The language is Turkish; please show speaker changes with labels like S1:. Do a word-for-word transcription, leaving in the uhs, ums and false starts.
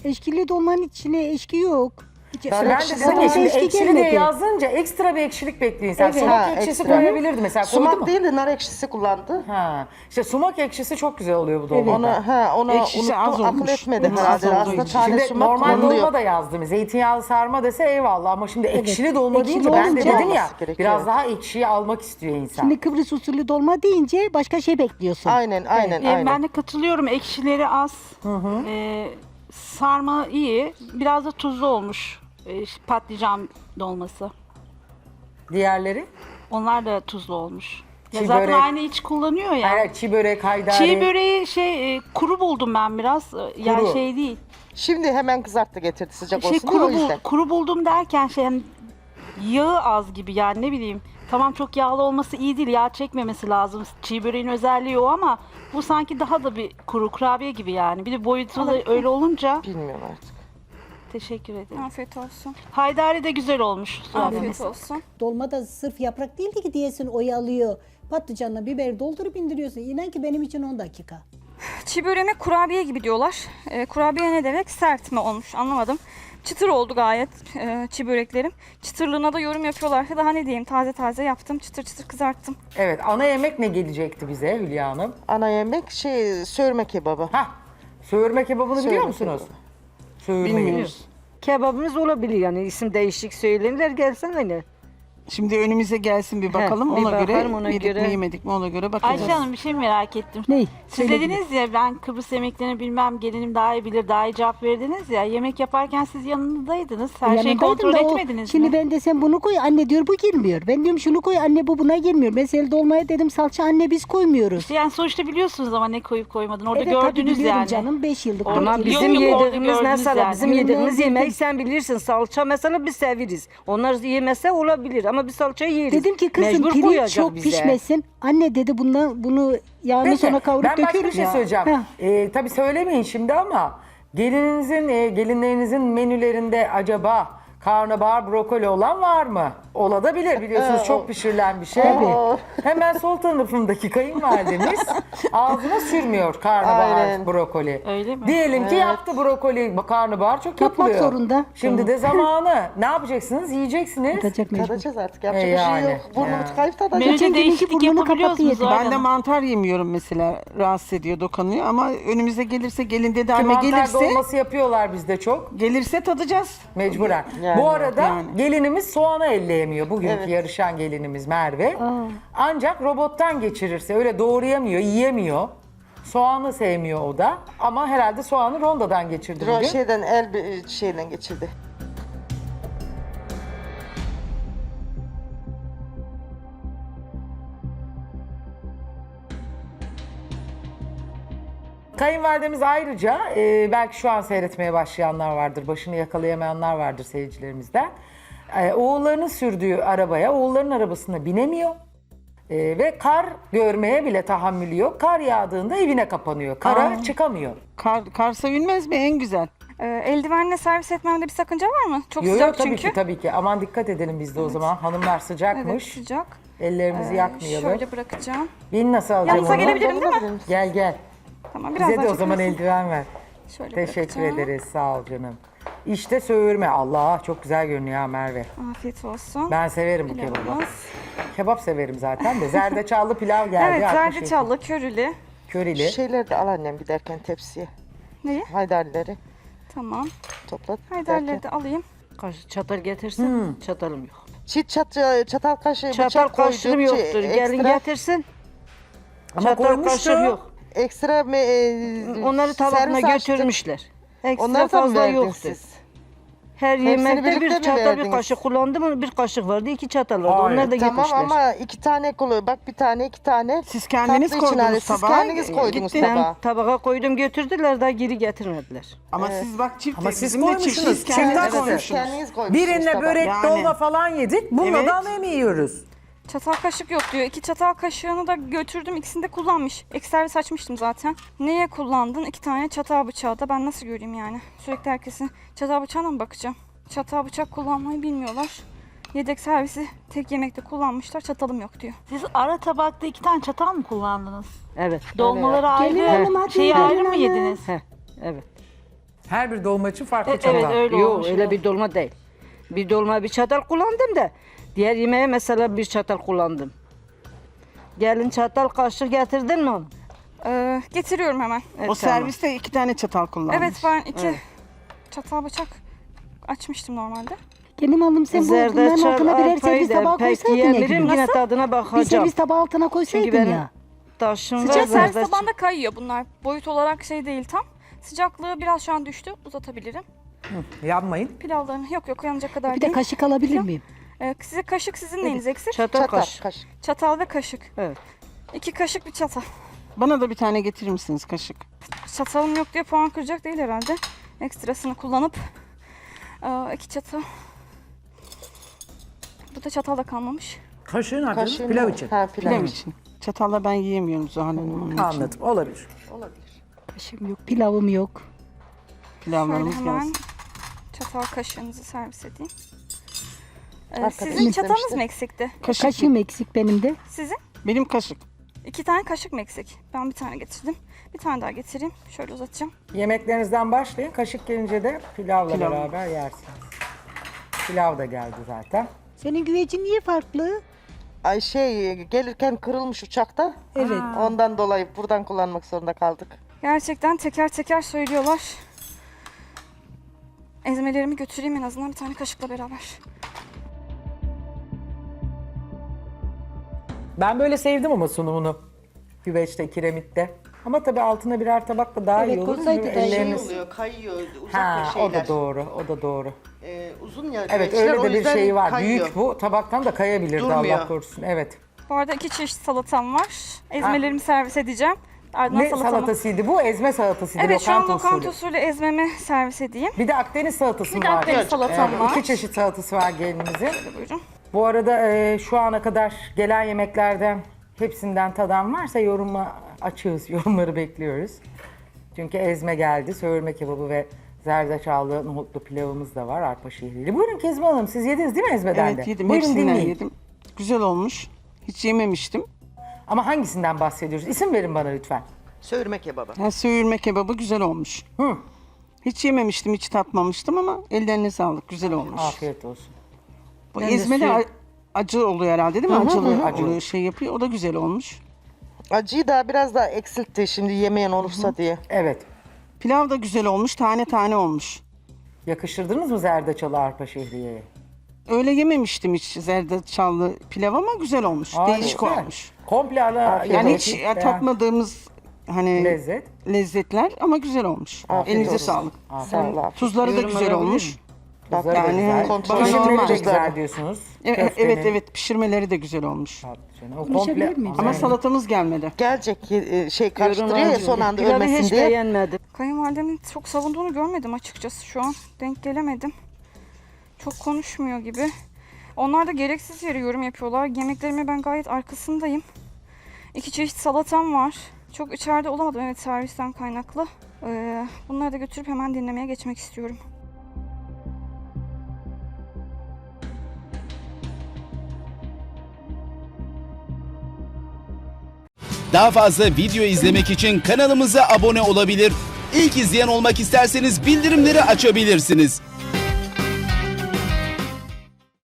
S1: Eşkili dolmanın içine eşki yok. Hiç-
S2: Ben de
S1: Ekşi-
S2: dedim ya şimdi
S1: eşki
S2: ekşili diye
S1: gelmedi.
S2: yazınca ekstra bir ekşilik bekliyor insan.
S1: Evet.
S2: Sumak
S3: Ha,
S2: ekşisi
S3: ekstra.
S2: koyabilirdi mesela, koydu
S3: Sumak
S2: mu?
S3: değil de nar ekşisi kullandı.
S2: Ha. İşte sumak ekşisi çok güzel oluyor bu dolmada.
S3: Ona ha ona
S4: Ekşisi az
S3: unuttum, akıl
S4: olmuş.
S3: etmedi
S4: Hı,
S3: herhalde.
S4: az olduğu
S3: Aslında
S4: için.
S3: tane
S2: Şimdi
S3: sumak
S2: normal
S3: kullanılıyor.
S2: dolma da yazdım. Zeytinyağlı sarma dese eyvallah ama şimdi ekşili dolma
S1: ekşili
S2: deyince ben de
S1: olunca-
S2: dedim ya
S3: olması gerekiyor.
S2: biraz daha ekşiyi almak istiyor insan.
S1: Şimdi Kıbrıs usulü dolma deyince başka şey bekliyorsun.
S3: Aynen aynen
S5: Ee,
S3: aynen.
S5: ben de katılıyorum. Ekşileri az. Ee, sarma iyi. Biraz da tuzlu olmuş. Ee, patlıcan dolması.
S2: Diğerleri?
S5: Onlar da tuzlu olmuş. Ya
S2: Çiğ
S5: zaten
S2: börek.
S5: aynı iç kullanıyor ya.
S2: Hayır, çiğ börek, haydari.
S5: Çiğ böreği şey e, kuru buldum ben biraz. Ee, Yani
S2: Kuru.
S5: şey değil.
S3: Şimdi hemen kızarttı getirdi sıcak
S5: Şey
S3: olsun diye
S5: kuru,
S3: o
S5: bul-
S3: yüzden.
S5: kuru buldum derken şey hani yağı az gibi yani ne bileyim. Tamam çok yağlı olması iyi değil. Yağ çekmemesi lazım. Çiğ böreğin özelliği o ama bu sanki daha da bir kuru kurabiye gibi yani. Bir de boyutu da öyle olunca
S3: Bilmiyorum artık.
S5: teşekkür ederim.
S6: Afiyet olsun.
S5: Haydari de güzel olmuş.
S6: Afiyet olsun.
S7: Dolma da sırf yaprak değildi ki diyesin oyalıyor. Patlıcanla biber doldurup indiriyorsun. İnan ki benim için on dakika.
S6: Çiğ böreğime kurabiye gibi diyorlar. Ee, kurabiye ne demek? Sert mi olmuş anlamadım. Çıtır oldu gayet e, çiğ böreklerim. Çıtırlığına da yorum yapıyorlarsa daha ne diyeyim, taze taze yaptım. Çıtır çıtır kızarttım.
S2: Evet, ana yemek ne gelecekti bize Hülya Hanım?
S3: Ana yemek şey söğürme kebabı.
S2: Hah, söğürme kebabını biliyor
S3: Söğürme
S2: musunuz?
S3: kebabı.
S2: Söğürmeyi.
S4: Bilmiyoruz.
S8: Kebabımız olabilir yani isim değişik söylenirler gelsen hani.
S4: Şimdi önümüze gelsin bir bakalım.
S8: bir
S4: ona göre
S8: bakalım, ona
S4: yedik
S8: göre.
S4: mi yemedik mi ona göre bakacağız.
S5: Ayşe Hanım bir şey merak ettim.
S1: Ney?
S5: Siz
S1: Söyle
S5: dediniz ya ben Kıbrıs yemeklerini bilmem gelinim daha iyi bilir daha iyi cevap verdiniz ya. Yemek yaparken siz yanındaydınız. Her şeyi
S1: Yanındaydım
S5: kontrol
S1: da o-
S5: etmediniz
S1: Şimdi
S5: mi?
S1: ben desem bunu koy anne diyor bu girmiyor. Ben diyorum şunu koy anne bu buna girmiyor. Mesela dolmaya dedim salça anne biz koymuyoruz.
S5: İşte yani sonuçta biliyorsunuz ama ne koyup koymadın. Orada
S1: Evet tabii
S5: gördünüz
S1: biliyorum
S5: yani.
S1: canım beş yıllık.
S5: Orada-
S1: dört
S8: Ama
S1: yıllık.
S8: bizim
S5: Yok, yok, orada
S8: yediğimiz
S5: gördünüz
S8: mesela
S5: yani.
S8: bizim
S1: Görünmez
S8: yediğimiz
S1: dedim.
S8: yemeği sen bilirsin. Salça mesela biz severiz. Onlar yemese olabilir ama biz salça yeriz.
S1: Dedim ki kızım
S8: Mecbur
S1: pirinç
S8: koyacak
S1: çok
S8: bize.
S1: pişmesin. Anne dedi bundan bunu yağını
S2: Peki,
S1: sonra kavurup
S2: ben başka bir
S1: döküyoruz
S2: şey
S1: ya.
S2: söyleyeceğim.
S1: Heh.
S2: Ee, tabii söylemeyin şimdi ama gelininizin, e, gelinlerinizin menülerinde acaba karnabahar, brokoli olan var mı? Olabilir biliyorsunuz çok pişirilen bir şey.
S1: Tabii.
S2: Hemen sol tarafındaki kayınvalidemiz ağzına sürmüyor karnabahar,
S3: Aynen.
S2: brokoli.
S5: Öyle mi?
S2: Diyelim ki yaptı brokoli, karnabahar çok
S1: Yapmak
S2: yapılıyor.
S1: zorunda.
S2: Şimdi
S1: Tamam.
S2: de zamanı. Ne yapacaksınız? Yiyeceksiniz.
S1: Tadacak mecbur.
S3: Tadacağız artık yapacak
S2: E
S3: bir
S2: yani,
S3: şey yok. Burnumuz
S2: ya.
S3: kayıp tadacak.
S5: Menüde
S1: Geçen gelinki
S5: değişiklik
S1: burnunu
S5: yapabiliyor
S1: kapattı
S5: musunuz?
S1: yedi.
S5: Zuhal
S4: Ben de
S5: Hanım?
S4: mantar yemiyorum mesela. Rahatsız ediyor, dokunuyor ama önümüze gelirse gelin dedi anne
S2: Mantar
S4: gelirse
S2: dolması yapıyorlar bizde çok.
S4: gelirse tadacağız.
S2: Mecburen.
S3: Yani,
S2: Bu arada
S4: yani.
S2: gelinimiz soğanı elleyemiyor. Bugünkü
S3: Evet.
S2: yarışan gelinimiz Merve. Ancak robottan geçirirse öyle doğrayamıyor, yiyemiyor. Soğanı sevmiyor o da. Ama herhalde soğanı rondodan geçirdi
S3: Ro-
S2: bugün.
S3: şeyden el bir şeyden geçirdi.
S2: Kayınvalidemiz ayrıca e, belki şu an seyretmeye başlayanlar vardır, başını yakalayamayanlar vardır seyircilerimizden. E, oğullarının sürdüğü arabaya, oğulların arabasına binemiyor. E, ve kar görmeye bile tahammülü yok. Kar yağdığında evine kapanıyor. Kara
S4: Aa.
S2: çıkamıyor.
S4: Kar, kar sevilmez mi? En güzel.
S6: Ee, eldivenle servis etmemde bir sakınca var mı? Çok
S2: Yo, yo,
S6: sıcak
S2: tabii
S6: çünkü.
S2: ki tabii ki. Aman dikkat edelim biz de o zaman. Hanımlar
S6: Evet
S2: sıcakmış.
S6: sıcak.
S2: Ellerimizi
S6: Ee,
S2: yakmayalım.
S6: Şöyle bırakacağım.
S2: Bin nasıl alacağım
S6: Yanınıza
S2: onu?
S6: gelebilirim değil mi?
S2: Gel gel.
S6: Tamam biraz
S2: Bize
S6: daha
S2: de o zaman
S6: çekersin.
S2: eldiven ver.
S6: Şöyle
S2: Teşekkür
S6: bırakacağım.
S2: ederiz. Sağ ol canım. İşte söğürme. Allah çok güzel görünüyor ha Merve.
S6: Afiyet olsun.
S2: Ben severim bu kebabı.
S6: Pilavımız.
S2: Kebap severim zaten de. Zerdeçallı pilav geldi.
S6: Evet
S2: altmış yedi.
S6: zerdeçallı, körülü.
S2: Körili.
S3: Şeyleri de al annem giderken tepsiye.
S6: Neyi?
S3: Haydarileri
S6: Tamam.
S3: topla.
S6: Haydarları da alayım.
S8: Kaş, çatal getirsin. Çatalım yok.
S3: Çit çat, çatal kaşığı
S8: Çatal
S3: bıçak koyduk.
S8: kaşığım
S3: Şey,
S8: yoktur. Gelin
S3: ekstra,
S8: getirsin.
S2: Ama
S8: Çatal
S2: koymuştu.
S8: kaşık yok.
S3: ekstra me, e,
S8: Onları tabağına
S3: servis açtık.
S8: götürmüşler. Ekstra
S3: Onları da mı
S8: fazla
S3: verdin
S8: yoktu.
S3: siz?
S8: Her
S3: Hepsini
S8: yemekte
S3: birlikte
S8: bir
S3: mi
S8: çatal bir
S3: verdiniz?
S8: kaşık kullandım. Bir kaşık vardı, iki çatal vardı.
S2: Hayır.
S8: Onlar da
S3: Tamam
S8: gitmişler.
S3: ama iki tane kolu, bak bir tane iki tane.
S4: Siz kendiniz
S3: Tatlı için hani
S4: koydunuz
S3: siz
S4: tabağa.
S3: kendiniz koydunuz
S4: gitti.
S3: tabağa.
S8: Ben tabağa koydum götürdüler daha geri getirmediler.
S4: Ama siz bak çift.
S2: Ama siz
S4: bizim de
S2: koymuşsunuz.
S4: çift. Siz kendiniz
S2: Çift-
S3: Evet, siz
S4: koymuşsunuz.
S3: kendiniz koymuşsunuz
S2: Birine
S3: tabağa.
S2: börek
S4: Yani.
S2: dolma falan yedik. Bununla
S4: Evet.
S2: da ana yemeği yiyoruz.
S6: Çatal kaşık yok diyor. İki çatal kaşığını da götürdüm. İkisini de kullanmış. Ek servis açmıştım zaten. Neye kullandın? İki tane çatal bıçağı da ben nasıl göreyim yani? Sürekli herkesin çatal bıçağına mı bakacağım? Çatal bıçak kullanmayı bilmiyorlar. Yedek servisi tek yemekte kullanmışlar. Çatalım yok diyor.
S5: Siz ara tabakta iki tane çatal mı kullandınız?
S8: Evet.
S5: Dolmaları
S1: Gelin
S5: ayrı,
S1: hanım, hadi
S5: şeyi
S1: gelin
S5: ayrı mı
S1: hanım.
S5: yediniz?
S8: Heh, evet.
S2: Her bir dolma için farklı
S5: E,
S2: çatal.
S5: evet öyle
S8: Yok
S5: olmuş.
S8: öyle bir dolma değil. Bir dolma bir çatal kullandım da diğer yemeğe mesela bir çatal kullandım. Gelin çatal kaşık getirdin mi onu?
S6: Ee, getiriyorum hemen.
S8: Evet,
S4: O
S8: tamam.
S4: serviste iki tane çatal kullanmış.
S6: Evet ben iki
S8: Evet.
S6: çatal bıçak açmıştım normalde.
S1: Gelin hanım sen bu bunların
S8: Zerdeçal,
S1: altına birer
S8: arpayı
S1: servis
S8: da
S1: tabağı
S8: pek
S1: koysaydın ya
S8: yiyebilirim,
S1: Gülüm.
S8: yine tadına
S1: Bir
S8: bakacağım.
S1: servis tabağı altına
S8: Çünkü
S1: koysaydın
S8: benim
S1: ya.
S8: taşım
S6: Bir
S8: var.
S6: de servis
S8: zerdeçal.
S6: tabağında kayıyor bunlar. Boyut olarak şey değil tam. Sıcaklığı biraz şu an düştü. Uzatabilirim.
S2: Yanmayın.
S6: Pilavlarını yok yok yanacak kadar
S1: Bir de
S6: değil.
S1: kaşık alabilir
S6: Yok.
S1: miyim?
S6: Ee, size kaşık sizin neyiniz eksik?
S8: Çatal,
S3: Çatal
S8: kaşık.
S3: kaşık.
S6: Çatal ve kaşık.
S8: Evet.
S6: İki kaşık bir çatal.
S4: Bana da bir tane getirir misiniz kaşık?
S6: Çatalım yok diye puan kıracak değil herhalde. Ekstrasını kullanıp ee, iki çatal. Bu da çatal da kalmamış.
S2: Kaşığın nerede?
S3: Kaşığın
S2: Pilav
S3: var.
S2: için.
S3: Ha pilav,
S4: Pilav
S3: için.
S4: için. Çatalla ben yiyemiyorum Zuhal Hanım onun için.
S2: Anladım. Olabilir.
S1: Kaşığım yok, pilavım yok.
S6: Şöyle
S4: Pilavlarımız
S6: hemen
S4: gelsin.
S6: çatal kaşığınızı servis edeyim. Ee,
S3: Arkadaş
S6: sizin çatalınız
S3: istemişti.
S6: mı eksikti?
S4: Kaşık.
S1: Kaşığım eksik benim de.
S6: Sizin?
S4: Benim kaşık.
S6: İki tane kaşık mı eksik? Ben bir tane getirdim. Bir tane daha getireyim. Şöyle uzatacağım.
S2: Yemeklerinizden başlayın. Kaşık gelince de pilavla
S4: Pilav.
S2: beraber yersiniz. Pilav da geldi zaten.
S1: Senin güvecin niye farklı?
S3: Ay şey gelirken kırılmış uçakta.
S1: Evet.
S3: Ondan dolayı buradan kullanmak zorunda kaldık.
S6: Gerçekten teker teker söylüyorlar. Ezmelerimi götüreyim en azından bir tane kaşıkla beraber.
S2: Ben böyle sevdim ama sunumunu. Güveçte, kiremitte. Ama tabii altına birer tabakla daha
S1: Evet,
S2: iyi olur.
S1: koysaydı
S2: Çünkü
S1: da iyi
S2: elleriniz...
S3: oluyor, kayıyor, uzak
S2: Ha, o da doğru, o da doğru.
S3: Ee, uzun ya.
S2: Evet,
S3: güveçler,
S2: öyle
S3: o
S2: de bir
S3: yüzden
S2: şey var.
S3: kayıyor.
S2: Büyük bu, tabaktan da kayabilirdi
S3: Durmuyor.
S2: Allah korusun. Evet.
S6: Bu arada iki çeşit salatam var. Ezmelerimi servis edeceğim. Ardından
S2: Ne
S6: salatamı.
S2: salatasıydı bu? Ezme salatasıydı,
S6: Evet şu an
S2: lokanta
S6: lokanta
S2: usulü.
S6: usulü ezmemi servis edeyim.
S2: Bir de Akdeniz salatası
S6: Bir
S2: mı
S6: de
S2: var?
S6: Akdeniz salatam
S2: Evet,
S6: var.
S2: İki çeşit salatası var gelinimizin.
S6: Buyurun.
S2: Bu arada e, şu ana kadar gelen yemeklerden hepsinden tadan varsa yoruma açığız, yorumları bekliyoruz. Çünkü ezme geldi, söğürme kebabı ve zerdeçallı nohutlu pilavımız da var, arpa şehriyeli. Buyurun Kezban Hanım, siz yediniz değil mi ezmeden de?
S4: Evet yedim.
S2: Buyurun
S4: Hepsinden
S2: dinleyin.
S4: yedim. Güzel olmuş. Hiç yememiştim.
S2: Ama hangisinden bahsediyoruz? İsim verin bana lütfen.
S3: Söğürme kebabı.
S4: Ha, söğürme kebabı güzel olmuş.
S2: Hı.
S4: Hiç yememiştim, hiç tatmamıştım ama ellerine sağlık. Güzel olmuş.
S2: Afiyet olsun.
S4: Bu
S2: Ben de
S4: ezmeli
S2: suyu-
S4: a- acı oluyor herhalde değil mi? Acılı,
S2: Acı.
S4: oluyor, şey yapıyor. O da güzel olmuş.
S3: Acıyı daha biraz daha eksiltti şimdi yemeyen olursa diye.
S2: Evet.
S4: Pilav da güzel olmuş. Tane tane olmuş.
S2: Yakıştırdınız mı zerdeçalı arpa şehriyeye?
S4: Öyle yememiştim hiç zerdeçallı pilav ama güzel olmuş.
S2: Aa,
S4: Değişik
S2: güzel.
S4: olmuş.
S2: Komple ara
S4: Yani hiç
S2: yemek-
S4: tatmadığımız hani
S2: lezzet.
S4: lezzetler ama güzel olmuş.
S3: Afiyet
S4: Elinize
S3: olsun.
S4: sağlık.
S3: Sağ ol abi.
S4: Tuzları da
S8: Yorum
S4: güzel
S8: alabilir
S4: olmuş.
S8: miyim?
S2: Tuzları da
S4: Yani
S2: güzel.
S3: kontrol
S2: Pişirmeleri de
S3: edilmez
S2: güzel
S3: tuzlar.
S2: diyorsunuz.
S4: Evet,
S2: Köftenin.
S4: evet evet pişirmeleri de güzel olmuş.
S2: Patlıcanı. O
S1: Konuşabilir
S2: komple
S1: miyim?
S4: Ama
S2: güzel.
S4: salatamız gelmedi.
S3: Gelecek e, şey
S8: Yorum
S3: karıştırıyor ya
S8: alabilirim.
S3: son anda
S8: Pilavı
S3: ölmesin
S8: hiç
S3: diye.
S8: beğenmedim.
S6: Kayınvalidemin çok savunduğunu görmedim açıkçası şu an. Denk gelemedim. Çok konuşmuyor gibi. Onlar da gereksiz yere yorum yapıyorlar. Yemeklerime ben gayet arkasındayım. İki çeşit salatam var. Çok içeride olamadım evet servisten kaynaklı. Ee, bunları da götürüp hemen dinlemeye geçmek istiyorum.
S9: Daha fazla video izlemek için kanalımıza abone olabilir. İlk izleyen olmak isterseniz bildirimleri açabilirsiniz.